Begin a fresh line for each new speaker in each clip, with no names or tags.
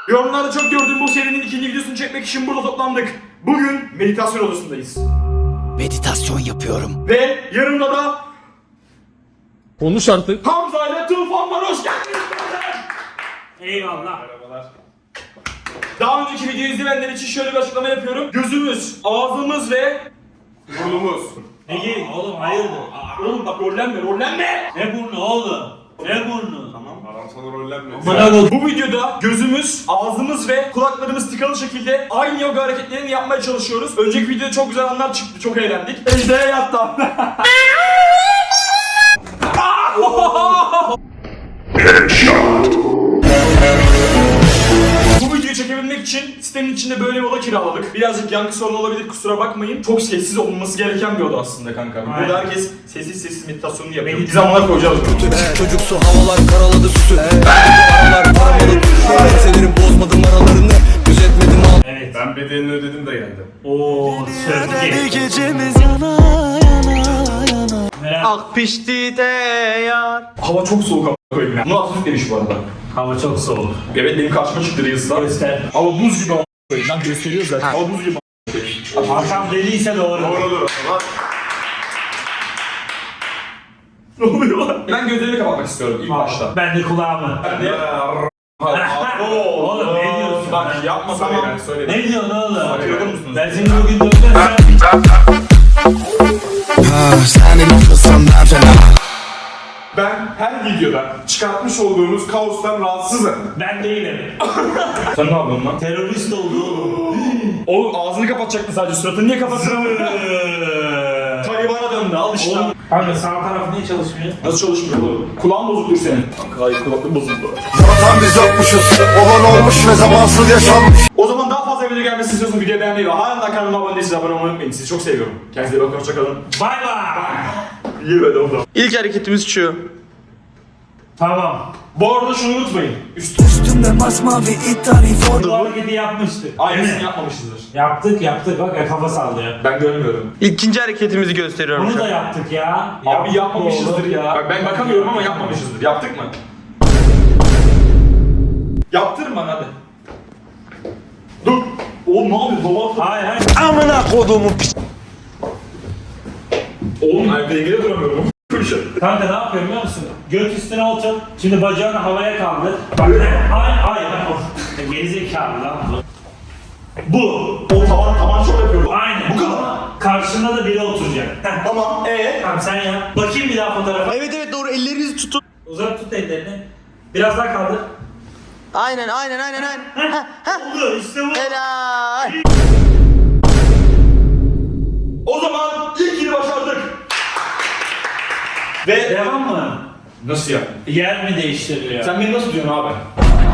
Yorumlarda çok gördüğüm bu serinin ikinci videosunu çekmek için burada toplandık. Bugün meditasyon odasındayız.
Meditasyon yapıyorum.
Ve yanımda da
Konuş artık.
Hamza ile Tufan var. Hoş geldiniz.
Eyvallah.
Merhabalar. Daha önceki videoyu izleyenler için şöyle bir açıklama yapıyorum. Gözümüz, ağzımız ve burnumuz.
Peki oğlum hayırdır?
Oğlum bak rollenme.
Ne burnu oğlum? Ne burnu? Tamam.
Adam sana rollenme.
Bana bak.
Bu videoda gözümüz, ağzımız ve kulaklarımız tıkalı şekilde aynı yoga hareketlerini yapmaya çalışıyoruz. Önceki videoda çok güzel anlar çıktı, çok eğlendik. Ejder'e yattı. Bu videoyu çekebilmek için sitenin içinde böyle bir oda kiraladık. Birazcık yankı sorunu olabilir, kusura bakmayın. Çok sessiz olması gereken bir oda aslında kanka. Burada herkes sessiz meditasyonunu yapıyor. Bir zamanlar koyacağız.
Çocuksu havalar karaladı süsü. Aralar paramalı. Selerim bozmadım aralarını. Gözetmedim al.
Evet.
Ben bedelini ödedim de geldim.
Oo, sözlü.
Gecemiz yana yana yana.
Merak.
Pişti de yar.
Hava çok soğuk ama koyayım ya. Bunu hafif demiş bu arada.
Hava çok soğuk.
Evet benim karşıma çıktı Reels'lar.
Göster.
Hava buz gibi a**ayım. Lan gösteriyor zaten. Hava buz gibi a**ayım.
Akşam deliyse doğru.
Doğrudur. Ne oluyor lan? Ben gözlerimi kapatmak istiyorum ilk başta.
Ben de kulağımı.
Ne?
Oğlum ne diyorsun?
Bak yapma
Tamam.
ben söyle.
Ne diyorsun oğlum?
Bakıyor musunuz?
Ben seni bugün dövdüm.
Senin olmasan ben fena.
Ben her videoda çıkartmış olduğunuz kaostan rahatsızım.
Ben değilim.
Sen ne yapıyorsun lan?
Terörist oldu oğlum.
Oğlum ağzını kapatacaktın sadece, suratını niye kapattın? Talibana döndü, al işte.
Oğlum, kanka sağ taraf niye çalışmıyor?
Nasıl çalışmıyor oğlum? Kulağın bozuktur senin. Kanka hayır, kulaklık bozuldu.
Zaten biz yokmuşuz. Olan olmuş ve zamansız yaşanmış.
O zaman daha fazla video gelmesini istiyorsanız videoyu beğenmeyi ve halen daha kanalıma abone değilseniz abone olmayı unutmayın. Sizi çok seviyorum. Kendinize iyi bakın, hoşçakalın.
Bay bay.
İyi be oğlum.
İlk hareketimiz şu.
Tamam.
Bu arada şunu unutmayın.
Üstümde masmavi idari form.
Bu hareketi yapmıştık.
Aynısını yapmamışızdır.
Yaptık bak ya, kafa sallıyor.
Ben görmüyorum.
İkinci hareketimizi gösteriyorum
Bunu
şu
da
an.
yaptık ya.
Abi yapmamışızdır ya. Bak ben bakamıyorum ama yapmamışızdır. Yaptık mı? Yaptırın bana hadi. Dur. Oğlum ne yapıyorsun? Baba.
Hayır.
Amına koduğumu piç.
Oğlum ben dengede duramıyorum.
Kanka ne yapıyorum biliyor musun? Göt üstüne otur. Şimdi bacağını havaya kaldır. Bak hayır. Of. Gerizekalı lan bu. Bu.
O tavan çok yapıyor.
Aynen.
Bu kadar.
Karşında da biri oturacak. Heh.
Tamam.
Tamam sen yap. Bakayım bir daha fotoğrafa.
Evet doğru, ellerinizi tutun.
Uzat tut ellerini. Biraz daha kaldır.
Aynen.
Oldu işte bu.
Helal.
O zaman ilkini başardık. Ve
Devam mı?
nasıl ya?
Yer mi değiştiriliyor?
Sen beni nasıl diyorsun abi?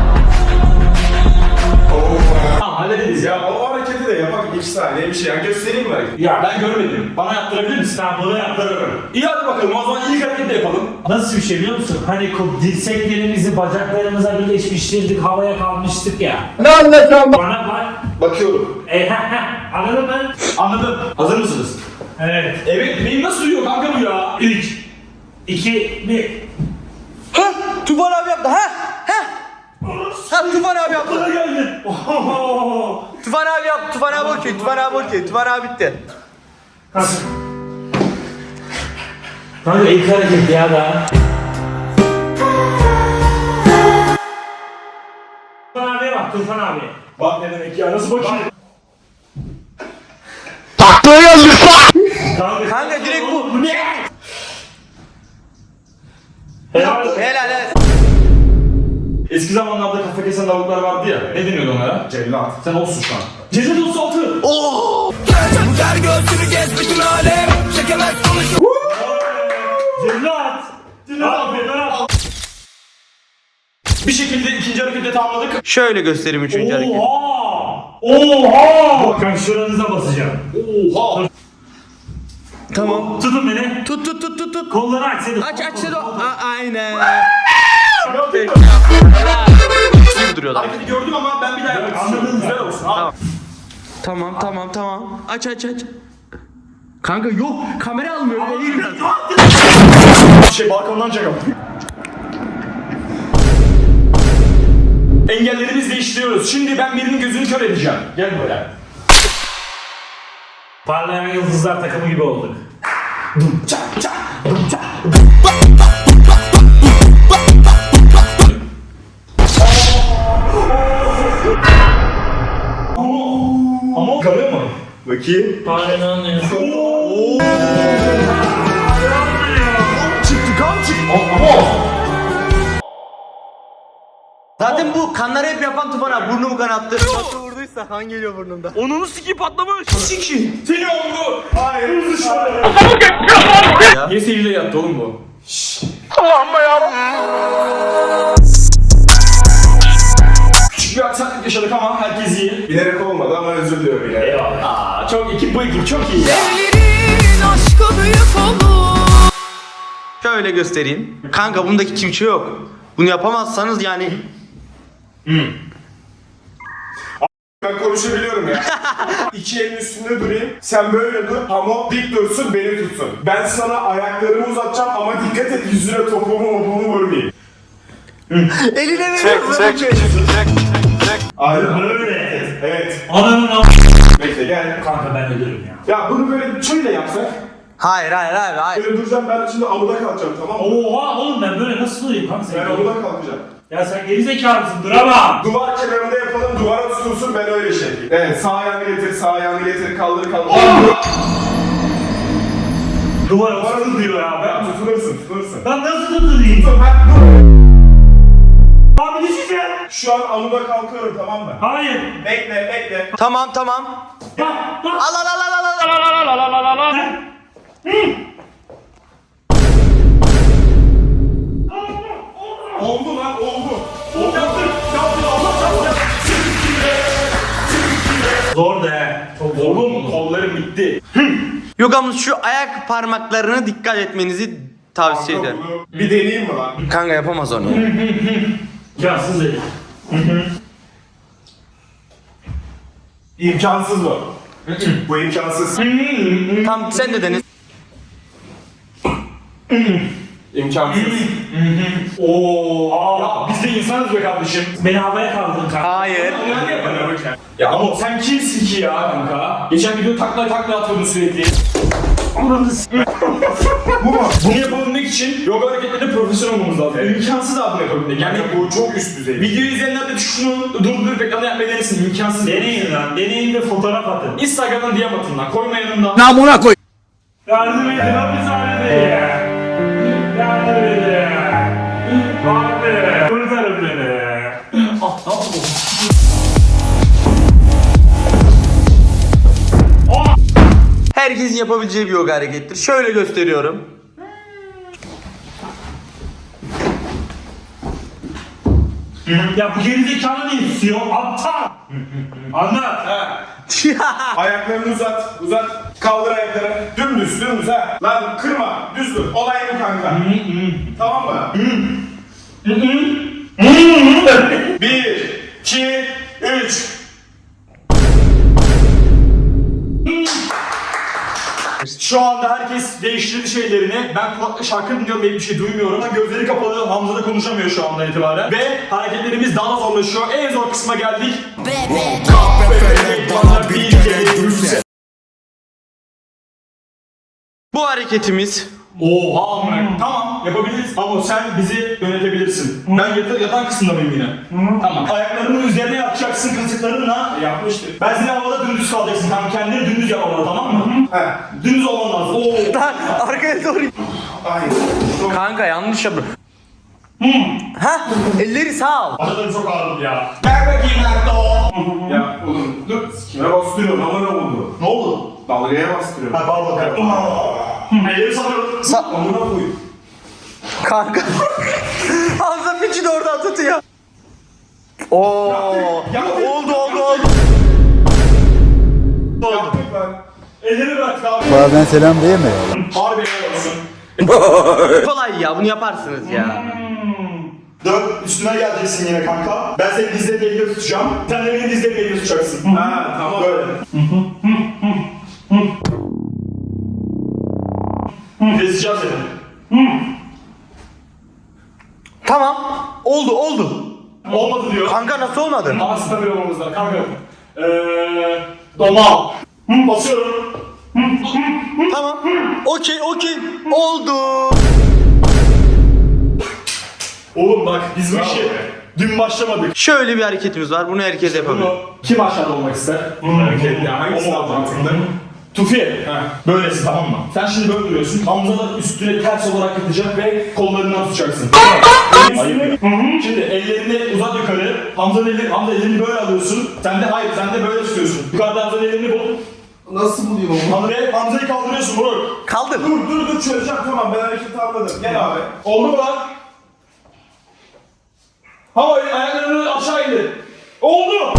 Tamam hallederiz ya.
Ya o hareketi de yapak 2 saniye bir şey. Yani göstereyim mi hareketi?
Ya ben görmedim. Bana yaptırabilir misin?
Sen bunu yaptırırım.
İyi hadi bakalım. O zaman ilk hareketi de yapalım.
Nasıl bir şey biliyor musun? Hani dirseklerimizi bacaklarımıza birleşmiştirdik, havaya kalmıştık ya.
Ne anlatacağım?
Bana bak.
Bakıyorum.
Anladın mı?
Anladım. Hazır mısınız?
Evet.
Evet. Benim nasıl uyuyor kanka bu ya?
3, 2, 1.
Ha? Tufan abi yaptı. Ha? Tufan abi yaptı.
Bana geldin.
Tufan abi yaptı. Tufan abi okey. Tufan abi bitti.
Kanka. Kanka ilk hareket ya da. Tufan abiye bak, Tufan abi.
Bak ne demek ya? Nasıl bakayım?
Kanka direkt bu.
Bu ne? Helal.
Helal.
Eski zamanlarda kafa kesen lavuklar vardı ya. Ne deniyordu onlara?
Cellat.
Sen olsun şu an. Cezet 36.
Ver göğsünü gez bütün alem. Çekemez konuşup.
Cellat. Cellat.
Bir şekilde ikinci hareketi tamamladık.
Şöyle göstereyim üçüncü hareket.
Oha! Bakın şuranıza basacağım.
Oha.
Tamam.
Tutun beni.
Tut.
Kolları aç seni.
Aç Sedo. Aynen. Gibi duruyorlar.
Hareketi gördüm ama ben bir daha yapmak istiyorum.
Anladın mı?
Güzel olsun abi.
Tamam. Aç. Kanka yok. Kamera almıyor. Eğil biraz.
Balkondan çakalım. Engelleri biz değiştiriyoruz. Şimdi ben birinin gözünü kör edeceğim. Gel buraya.
Parlayan yıldızlar takımı gibi olduk.
Ama karıyor mu?
Bakayım.
Parlayan
Çıktı kan çıktı.
Zaten bu kanları hep yapan Tufan abi burnumu kanattı. Nasıl vurduysa kan geliyor burnumda. Onunu siki patlamış. Siki.
Seni oldu.
Hayır. Hızlı şöyle.
Niye seyirde yattı oğlum bu? Küçük bir aksaklık yaşadık ama herkes iyi.
Bilerek olmadı ama özür diliyorum yine.
Aa, çok ekip bu ekip çok iyi ya.
Evlerin aşkı büyük olur.
Şöyle göstereyim. Kanka bundaki kimçe yok. Bunu yapamazsanız yani
Ben konuşabiliyorum ya. İki elin üstünde durayım. Sen böyle dur. Ama dik dursun, beni tutsun. Ben sana ayaklarımı uzatacağım ama dikkat et yüzüne topumu vurmayayım.
eline veriyorum.
Aynen.
Böyle.
Evet.
Ananın am...
Bekle gel.
Kanka ben ölürüm ya.
Ya bunu böyle şöyle yapsak.
Hayır.
Böyle duracağım, ben şimdi amuda kalacağım, tamam mı?
Oha oğlum ben böyle nasıl durayım kanka
Ben
sen?
amuda kalacağım.
Ya sen gerizekalı mısın? Duramam.
Duvar kenarında yapalım, duvara tutulsun, ben öyle şey yapayım. Evet, sağ ayağını getir, kaldır.
Duvara basın diyor ya
Ben
ben.
tutunursun.
Ben nasıl tutayım?
Ben dur.
Abi düşeceğim.
Şu an amuda kalkıyorum, tamam mı?
Hayır.
Bekle.
Tamam.
Bak.
Al.
Oldu lan, oldu. Yaptım, Allah çarptı.
Zor de. Çok zor.
Oğlum kollarım bitti.
Yok ama şu ayak parmaklarına dikkat etmenizi tavsiye ederim.
Bunu bir deneyeyim mi lan?
Kanka yapamaz onu.
İmkansız dedi.
İmkansız bu. Bu imkansız.
Tamam sen de deniz.
İmkansız.
Oo. Ya biz de insanız be kardeşim.
Beni havaya kaldırdın kanka.
Hayır.
Ya ama sen kimsin ki ya kanka? Geçen video takla atıyordun sürekli.
Bu mu?
Bunu yapabilmek için yoga hareketlerinde profesyonel olmamız lazım. İmkansız abi bunu yapabilmek. Yani
Bu çok üst düzey.
videoyu izleyenler de şunu durdurup ekranı yapmayı denesin. İmkansız değil.
Deneyin lan. Deneyin de fotoğraf atın.
Instagram'dan DM atın lan. Koyma yanında.
Namına koy.
Yardım edin hapishanede. Yardım edin. Abi. Kurtarın beni.
Herkesin yapabileceği bir yoga harekettir. Şöyle gösteriyorum.
Ya bu gerizekalı ne istiyor? Aptal. Anlat.
Ayaklarını uzat. Kaldır ayakları. Dümdüz ha. Lan kırma. Düz dur. Olay bu kanka. Tamam mı? 1, 2, 3.
Şu anda herkes değiştirdi şeylerini. Ben kulakla şarkı dinliyorum ve bir şey duymuyorum. Gözleri kapalı. Hamza da konuşamıyor şu andan itibaren. Ve hareketlerimiz daha da zorlaşıyor. En zor kısma geldik. Bana bir kere gülse.
Bu hareketimiz
Oha amına. Tamam yapabiliriz ama sen bizi yönetebilirsin. Ben yatan kısımda mıyım yine? Tamam. Ayaklarının üzerine yapacaksın kasıklarınla.
Yapmıştık.
Ben seni havada dümdüz kalacaksın. Tamam kendini dümdüz yapmalı tamam mı?
He.
Dümdüz olman lazım. Oo.
arkaya doğru.
Aynen.
Kanka yanlış yaptın. Ha? Elleri sağ ol.
Adalarım çok ağrıdı ya.
Ver bakayım Erdo. Ya oğlum dur. Kime bastırıyorum ama ne oldu?
Ne oldu?
Dalgaya bastırıyorum.
Ha pardon kanka. Elleri sanıyorum.
Amına koyayım.
Kanka. Hamza piçi de oradan tutuyor. Oo.
Yaptık.
Oldu.
Yaptık lan.
Elleri bırak abi.
Bazen selam değil mi?
Harbi helal olsun.
Kolay ya bunu yaparsınız ya.
Dön üstüne geleceksin yine kanka. Ben senin dizlerini elinde tutacağım. Sen de benim dizlerimi elinde tutacaksın.
Ha tamam.
Böyle. Keseceğim seni.
Tamam. Oldu.
Olmadı diyor.
Kanka nasıl olmadı?
Ama stabil olmamız lazım kanka. Doma. Basıyorum.
Tamam. Okey. Oldu.
Oğlum bak biz bu işi dün başlamadık.
Şöyle bir hareketimiz var. Bunu herkes yapabilir.
Bunu kim aşağıda olmak ister?
Ya hangisi daha mantıklı?
Tufi. Böylesi tamam mı? Sen şimdi böyle duruyorsun. Hamza da üstüne ters olarak yatacak ve kollarından tutacaksın. Ayıp. Şimdi ellerini uzat yukarı. Hamza ellerini böyle alıyorsun. Sen de böyle tutuyorsun. Yukarıda Hamza'nın ellerini bul.
Nasıl buluyorum onu?
Hamza'yı kaldırıyorsun Burak.
Kaldır.
Dur çözeceğim tamam ben hareketi anladım. Gel abi.
Oldu mu lan? Havayı ayaklarını aşağı indir. Oldu.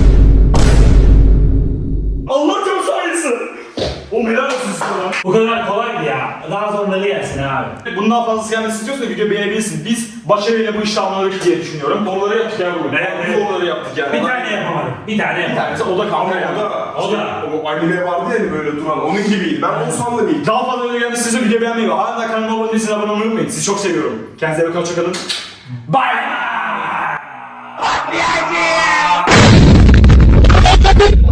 Allah çok sayısı. O helal olsun size lan.
Bu kadar kolaydı ya. Daha zorları gelsin abi.
Bundan fazlası gelmesi istiyorsan video beğenebilirsin. Biz başarıyla bu işi tamamladık diye düşünüyorum. Doğruları yaptık ya bugün.
Evet.
Doğruları yaptık yani.
Bir tane yapamadım. Bir tane yapamadım.
tanesi o da kanka yani.
O da.
O anime vardı ya hani böyle duran onun gibiydi. Ben Oğuzhan'la birlikte.
Daha fazla video gelmesi istiyorsan video beğenmeyi ve hala kanalıma abone değilseniz abone olmayı unutmayın. Sizi çok seviyorum. Kendinize iyi bakın. Hoşçakalın.
Bye.